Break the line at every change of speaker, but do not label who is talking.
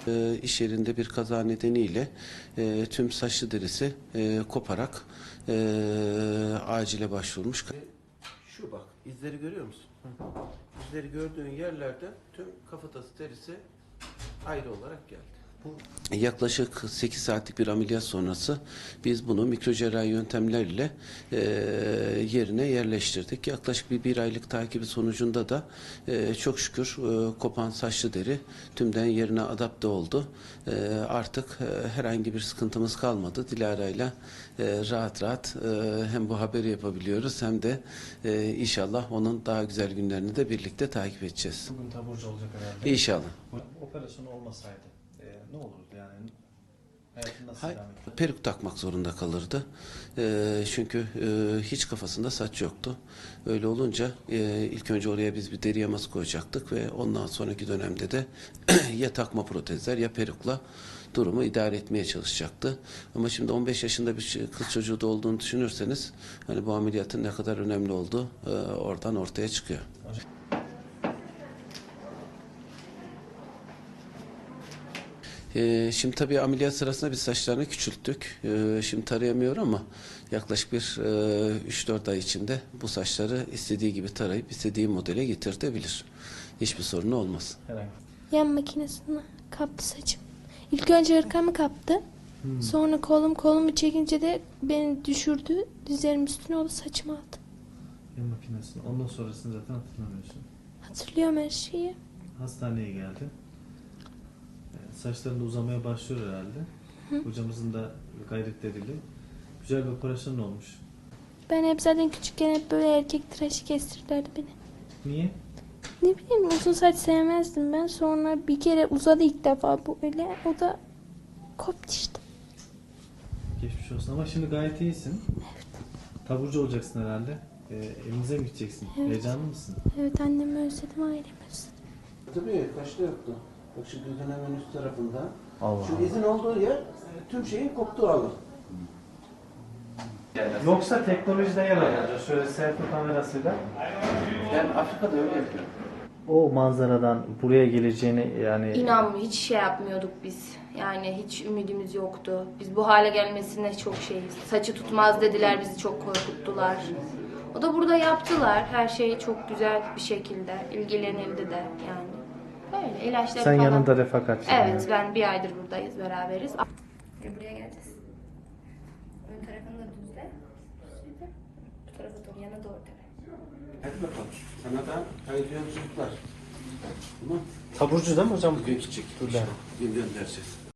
İş yerinde bir kaza nedeniyle tüm saçlı derisi koparak acile başvurmuş. Şu bak, izleri görüyor musun? İzleri gördüğün yerlerde tüm kafatası derisi ayrı olarak geldi. Yaklaşık 8 saatlik bir ameliyat sonrası biz bunu mikrocerrahi yöntemlerle yerine yerleştirdik. Yaklaşık bir aylık takibi sonucunda da çok şükür kopan saçlı deri tümden yerine adapte oldu. Artık herhangi bir sıkıntımız kalmadı. Dilara'yla rahat rahat hem bu haberi yapabiliyoruz hem de inşallah onun daha güzel günlerini de birlikte takip edeceğiz.
Bugün taburcu olacak herhalde.
İnşallah.
Operasyon olmasaydı ne olurdu yani? Hayatın nasıl
Hayır,
devam edecek?
peruk takmak zorunda kalırdı. Çünkü hiç kafasında saç yoktu. Öyle olunca ilk önce oraya biz bir deri yaması koyacaktık ve ondan sonraki dönemde de ya takma protezler ya perukla durumu idare etmeye çalışacaktı. Ama şimdi 15 yaşında bir kız çocuğu da olduğunu düşünürseniz hani bu ameliyatın ne kadar önemli olduğu oradan ortaya çıkıyor. Şimdi tabii ameliyat sırasında biz saçlarını küçülttük. Şimdi tarayamıyor ama yaklaşık bir 3-4 ay içinde bu saçları istediği gibi tarayıp istediği modele getirtebilir. Hiçbir sorunu olmaz.
Herhangi.
Yan makinesine kaptı saçım. İlk önce hırkamı kaptı. Sonra kolumu çekince de beni düşürdü. Dizlerimin üstüne oldu, saçımı aldı.
Yan makinesini. Ondan sonrasını zaten hatırlamıyorsun.
Hatırlıyorum her şeyi.
Hastaneye geldi. Saçların da uzamaya başlıyor herhalde. Hocamızın da gayretleriyle. Güzel bir operasyon olmuş.
Ben hep zaten küçükken hep böyle erkek tıraşı kestirdilerdi beni.
Niye?
Ne bileyim, uzun saç sevmezdim ben. Sonra bir kere uzadı ilk defa bu öyle. O da koptu işte.
Geçmiş olsun ama şimdi gayet iyisin. Taburcu olacaksın herhalde. Evinize mi gideceksin?
Evet.
Heyecanlı mısın?
Evet, annemi özledim, ailemi özledim.
Tabii kaşlı yoktu. Bak şu gözün hemen üst tarafında.
Allah
Şu izin olduğu yer tüm şeyin koptuğu alan.
Yoksa teknolojide yer alacak. Şöyle selfie kamerasıyla.
Ben Afrika'da öyle yapıyorum.
O manzaradan buraya geleceğini yani...
İnanmıyor, hiç şey yapmıyorduk biz. Yani hiç ümidimiz yoktu. Biz bu hale gelmesine çok şeyiz. Saçı tutmaz dediler, bizi çok korkuttular. O da burada yaptılar. Her şey çok güzel bir şekilde. İlgilenildi de yani. Böyle ilaçları
Sen
falan.
yanında refakatçi.
Evet, ben bir aydır buradayız, beraberiz. Buraya geleceğiz. Ön tarafını da düzle. Bu tarafa doğru, yana doğru tabii.
Hadi bakalım. Sana da hayırlı yolculuklar. Tamam.
Taburcu değil mi hocam?
Bugün gidecek. Bugün göndereceğiz.